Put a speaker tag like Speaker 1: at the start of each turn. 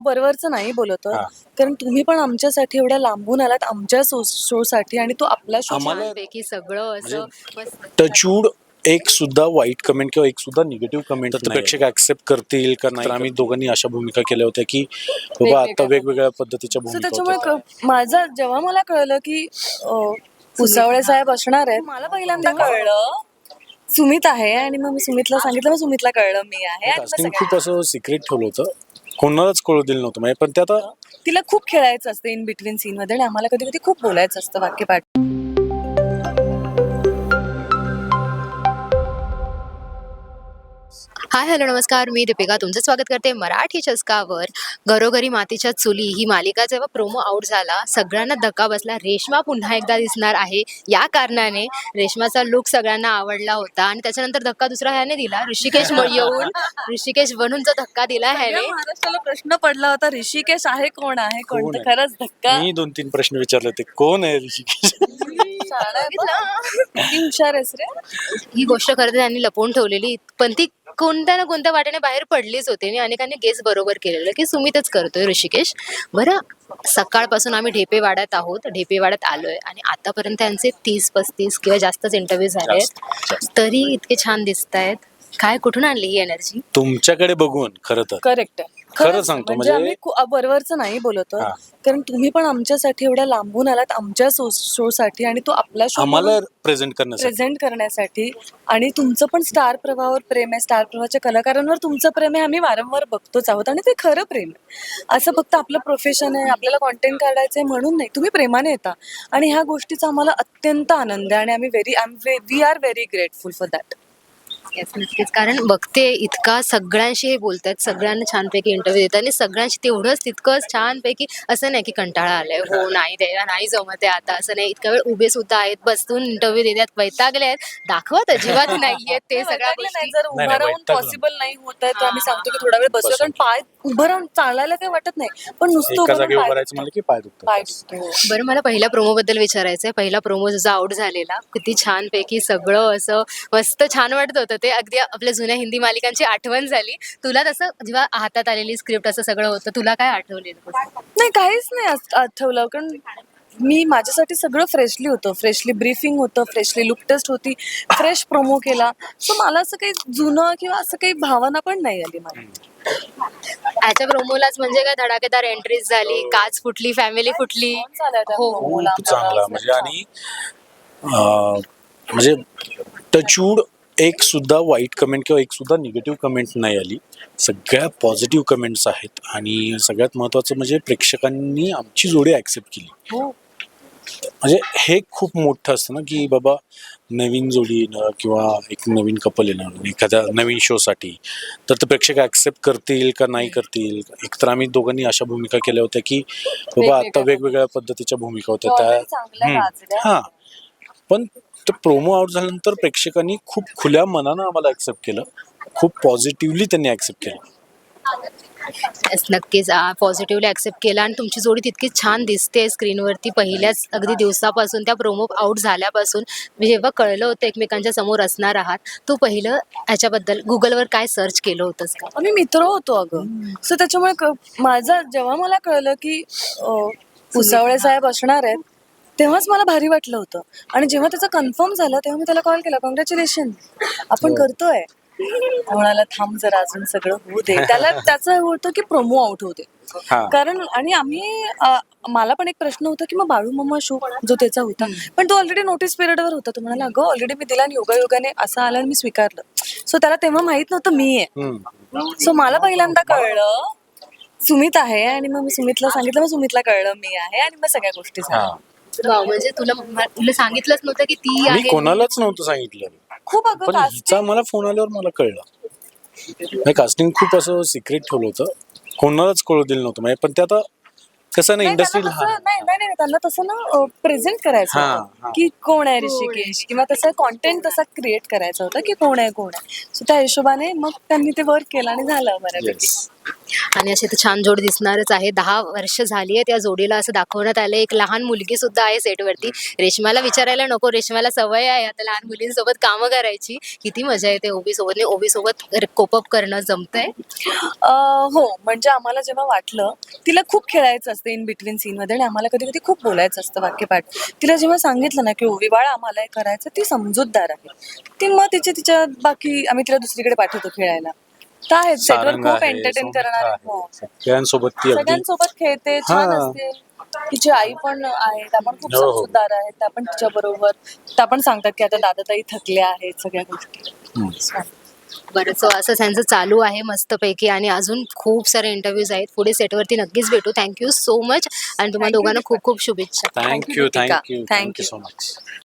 Speaker 1: वरवरचं नाही बोलत आहोत.
Speaker 2: हां.
Speaker 1: कारण तुम्ही पण आमच्यासाठी एवढ्या लांबून आलात आमच्या शोसाठी आणि तो आपला शो
Speaker 2: आम्हाला
Speaker 3: पैकी सगळं असं मस्त.
Speaker 2: टचवूड एक सुद्धा वाईट कमेंट किंवा एक सुद्धा निगेटिव्ह कमेंट तर प्रेक्षक ऍक्सेप्ट करतील का नाही. तर आम्ही दोघांनी अशा भूमिका केल्या होत्या की बाबा आता वेगवेगळ्या पद्धतीच्या
Speaker 1: सो
Speaker 2: भूमिका
Speaker 1: त्याच्यामुळे
Speaker 2: होत्या.
Speaker 1: माझं जेव्हा मला कळलं की पुसावळे साहेब असणार आहेत मला पहिल्यांदा कळलं सुमित आहे आणि मग मी सुमितला सांगितलं मग सुमितला कळलं मी आहे आणि मग
Speaker 2: कास्टिंग
Speaker 1: सगळ्या-
Speaker 2: खूप असं सिक्रेट ठेवलं होतं, कोणालाच कळू दिलं नव्हतं म्हणजे. पण ते आता
Speaker 1: तिला खूप खेळायचं असतं इन बिटवीन सीन मध्ये आणि आम्हाला कधी कधी खूप बोलायचं असतं वाक्यपाठ.
Speaker 3: हाय हॅलो नमस्कार, मी दीपिका तुमचं स्वागत करते मराठी चस्कावर. घरोघरी मातीच्या चुली ही मालिका जेव्हा प्रोमो आउट झाला सगळ्यांना धक्का बसला. रेश्मा पुन्हा एकदा दिसणार आहे या कारणाने रेश्माचा लुक सगळ्यांना आवडला होता आणि त्याच्यानंतर धक्का दुसरा ह्याने दिला. येऊन ऋषिकेश बनून जो धक्का दिला ह्याने.
Speaker 1: सगळ्या महाराष्ट्राला प्रश्न पडला होता ऋषिकेश आहे कोण आहे कोण
Speaker 2: कोण
Speaker 1: तर
Speaker 2: आहे?
Speaker 1: खरंच धक्का.
Speaker 2: मी 2-3 प्रश्न विचारले होते, कोण आहे ऋषिकेश?
Speaker 1: शाळा आहे बघ. किती हुशार आहेस रे.
Speaker 3: ही गोष्ट खरं तर त्यांनी लपवून ठेवलेली पण ती कोणत्या ना कोणत्या वाट्याने बाहेर पडलीच होती आणि अनेकांनी गेस बरोबर केलेलं की सुमितच करतोय ऋषिकेश. बरं, सकाळपासून आम्ही ढेपेवाड्यात आहोत, ढेपेवाड्यात आलोय आणि आतापर्यंत त्यांचे 30-35 किंवा जास्तच इंटरव्ह्यू झाले आहेत तरी इतके छान दिसत आहेत. काय कुठून आणली ही एनर्जी?
Speaker 2: तुमच्याकडे बघून खरं तर
Speaker 1: करेक्ट आहे.
Speaker 2: खरं सांगतो
Speaker 1: म्हणजे
Speaker 2: म्हणजे
Speaker 1: आम्ही वरवरचं नाही बोलत आहोत.
Speaker 2: हां.
Speaker 1: कारण तुम्ही पण आमच्यासाठी एवढ्या लांबून आलात आमच्या शोसाठी आणि तो आपला शो
Speaker 2: आम्हाला प्रेझेंट करण्यासाठी.
Speaker 1: प्रेझेंट करण्यासाठी आणि तुमचं पण स्टार प्रवाहावर प्रेम आहे, स्टार प्रवाहाच्या कलाकारांवर तुमचं प्रेम आहे, आम्ही वारंवार बघतोच आहोत आणि ते खरं प्रेम आहे. असं फक्त आपलं प्रोफेशन आहे आपल्याला कॉन्टेंट काढायचं आहे म्हणून नाही, तुम्ही प्रेमाने येता आणि ह्या गोष्टीचा आम्हाला अत्यंत आनंद आहे आणि आम्ही we are very grateful for that.
Speaker 3: Yes, नक्कीच. कारण बघते इतका सगळ्यांशी हे बोलतात, सगळ्यांना छानपैकी इंटरव्ह्यू देतात आणि सगळ्यांशी तेवढंच तितकंच छानपैकी असं नाही की कंटाळा आलाय, हो नाही द्यायला नाही जमत आहे आता, असं नाही. इतका वेळ उभे सुद्धा आहेत, बसून इंटरव्ह्यू देतात, वैतागले आहेत, दाखवत अजिबात नाहीये ते सगळ्या गोष्टी.
Speaker 1: जर उभं राहून
Speaker 2: वैतागलं.
Speaker 1: पॉसिबल नाही होत आहे तर आम्ही सांगतो की थोडा वेळ बसूया कारण पाय उभं राहून चालायला काही वाटत नाही पण नुसतं
Speaker 2: एका
Speaker 1: उभं
Speaker 2: जागी
Speaker 1: राहून
Speaker 2: उभं राहायचं म्हणलं की पाय दुखतात.
Speaker 1: पाय दुखतो.
Speaker 3: बरं, मला पहिल्या प्रोमो बद्दल विचारायचं आहे. पहिला प्रोमो जो आउट झालेला किती छानपैकी सगळं असं मस्त छान वाटत होतं. ते अगदी आपल्या जुन्या हिंदी मालिकांची आठवण झाली. तुला तसं जेव्हा हातात आलेली स्क्रिप्ट असं सगळं होतं तुला काय आठवलेलं?
Speaker 1: नाही काहीच नाही आठवलं कारण मी माझ्यासाठी सगळं फ्रेशली होतं, फ्रेशली ब्रीफिंग होतं, फ्रेशली लुक टेस्ट होती, फ्रेश प्रोमो केला. सो मला असं काही जुनं किंवा असं काही भावना पण नाही आली मला.
Speaker 3: ह्याच्या प्रोमोलाच म्हणजे काय धडाकेदार एंट्रीज झाली, काच फुटली, फॅमिली फुटली. हो,
Speaker 2: खूप चांगला म्हणजे आणि म्हणजे टचवूड एक सुद्धा वाईट कमेंट किंवा एक सुद्धा निगेटिव्ह कमेंट नाही आली. सगळ्या पॉझिटिव्ह कमेंट्स आहेत आणि सगळ्यात महत्त्वाचं म्हणजे प्रेक्षकांनी आमची जोडी ऍक्सेप्ट केली. म्हणजे हे खूप मोठं असतं ना की बाबा नवीन जोडी येणं किंवा एक नवीन कपल येणं एखाद्या नवीन शोसाठी तर ते प्रेक्षक ऍक्सेप्ट करतील का नाही करतील. एकतर आम्ही दोघांनी अशा भूमिका केल्या होत्या की बाबा आता वेगवेगळ्या पद्धतीच्या भूमिका होत्या त्या. हां, पण तो प्रोमो आउट झाल्यानंतर प्रेक्षकांनी खूप खुल्या मनानं आम्हाला ऍक्सेप्ट केलं, खूप पॉझिटिव्हली त्यांनी ऍक्सेप्ट केलं.
Speaker 3: Yes, नक्कीच पॉझिटिव्हली ऍक्सेप्ट केला आणि तुमची जोडी तितकी छान दिसते स्क्रीनवरती पहिल्याच अगदी दिवसापासून. त्या प्रोमो आउट झाल्यापासून जेव्हा कळलं होतं एकमेकांच्या समोर असणार आहात, तू पहिलं ह्याच्याबद्दल गुगलवर काय सर्च केलं होतंस का?
Speaker 1: आम्ही मित्र होतो अगं. सो त्याच्यामुळे माझं जेव्हा मला कळलं की पुसावळे साहेब असणार आहेत तेव्हाच मला भारी वाटलं होतं आणि जेव्हा त्याचं कन्फर्म झालं तेव्हा मी त्याला कॉल केला, कॉंग्रॅच्युलेशन आपण करतोय. म्हणाला थांब जरा अजून सगळं होऊ दे. त्याला त्याचं होतं की प्रोमो आउट होते कारण आणि आम्ही मला पण एक प्रश्न होता की मग बाळू मामा शो जो त्याचा होता पण तो ऑलरेडी नोटीस पिरियडवर होता. तो म्हणाला अगं ऑलरेडी मी दिला आणि योगायोगाने असं आला आणि मी स्वीकारलं. सो त्याला तेव्हा माहित नव्हतं मी आहे. सो मला पहिल्यांदा कळलं सुमित आहे आणि मग मी सुमितला सांगितलं, मग सुमितला कळलं मी आहे आणि मग सगळ्या गोष्टी झाल्या.
Speaker 3: वाव, म्हणजे तुला सांगितलंच नव्हतं की ती
Speaker 2: मी
Speaker 3: आहे?
Speaker 2: कोणालाच नव्हतं सांगितलं
Speaker 1: खूप अगं
Speaker 2: पण हिचा मला फोन आल्यावर मला कळलं. कास्टिंग खूप असं सिक्रेट ठेवलं होतं, कोणालाच कळू दिलं नव्हतं म्हणजे. पण ते आता कसं नाही इंडस्ट्री
Speaker 1: नाही त्यांना तसं ना प्रेझेंट करायचं होतं की कोण आहे ऋषिकेश किंवा तसं कॉन्टेंट तसा क्रिएट करायचा होता की कोण आहे. सो त्या हिशोबाने मग त्यांनी ते वर्क केलं आणि झालं बऱ्यापैकी.
Speaker 3: आणि असे तर छान जोड दिसणारच आहे. 10 वर्ष झाली आहेत या जोडीला असं दाखवण्यात आलं. एक लहान मुलगी सुद्धा आहे सेटवरती. रेश्माला विचारायला नको, रेश्माला सवय आहे आता लहान मुलींसोबत कामं करायची. किती मजा येते ओबीसोबत. ओबीसोबत कोपअप करणं जमतंय?
Speaker 1: हो, म्हणजे आम्हाला जेव्हा वाटलं तिला खूप खेळायचं असतं इन बिटवीन सीनमध्ये आणि आम्हाला कधी कधी खूप बोलायचं असतं वाक्यपाठ. तिला जेव्हा सांगितलं ना की ओवी बाळा आम्हाला हे करायचं, ती समजूतदार आहे. ती मग तिच्या बाकी आम्ही तिला दुसरीकडे पाठवतो खेळायला. तर आहेत सेटवर
Speaker 2: सारंग
Speaker 1: खूप
Speaker 2: आहे,
Speaker 1: एंटरटेन
Speaker 2: सौमित्र
Speaker 1: करणार.
Speaker 2: आहे. सगळ्यांसोबत ती अगदी
Speaker 1: सगळ्यांसोबत खेळते, छान
Speaker 2: हा.
Speaker 1: असते. तिची आई पण आहे, त्या पण खूप
Speaker 2: हो, हो.
Speaker 1: समजूतदार आहेत. त्या पण तिच्या बरोबर त्या पण सांगतात की आता दादाताई थकल्या आहेत सगळ्या गोष्टी.
Speaker 2: हम्म.
Speaker 3: बरं, सो असं त्यांचं चालू आहे मस्तपैकी आणि अजून खूप सारे इंटरव्ह्यूज आहेत. पुढे सेटवरती नक्कीच भेटू. थँक्यू सो मच आणि तुम्हाला
Speaker 1: Thank you,
Speaker 3: दोघांना
Speaker 1: दीपा.
Speaker 3: खूप खूप शुभेच्छा.
Speaker 2: Thank you
Speaker 1: Deepika.
Speaker 2: Thank you
Speaker 1: Thank
Speaker 2: thank you
Speaker 1: you.
Speaker 2: So much.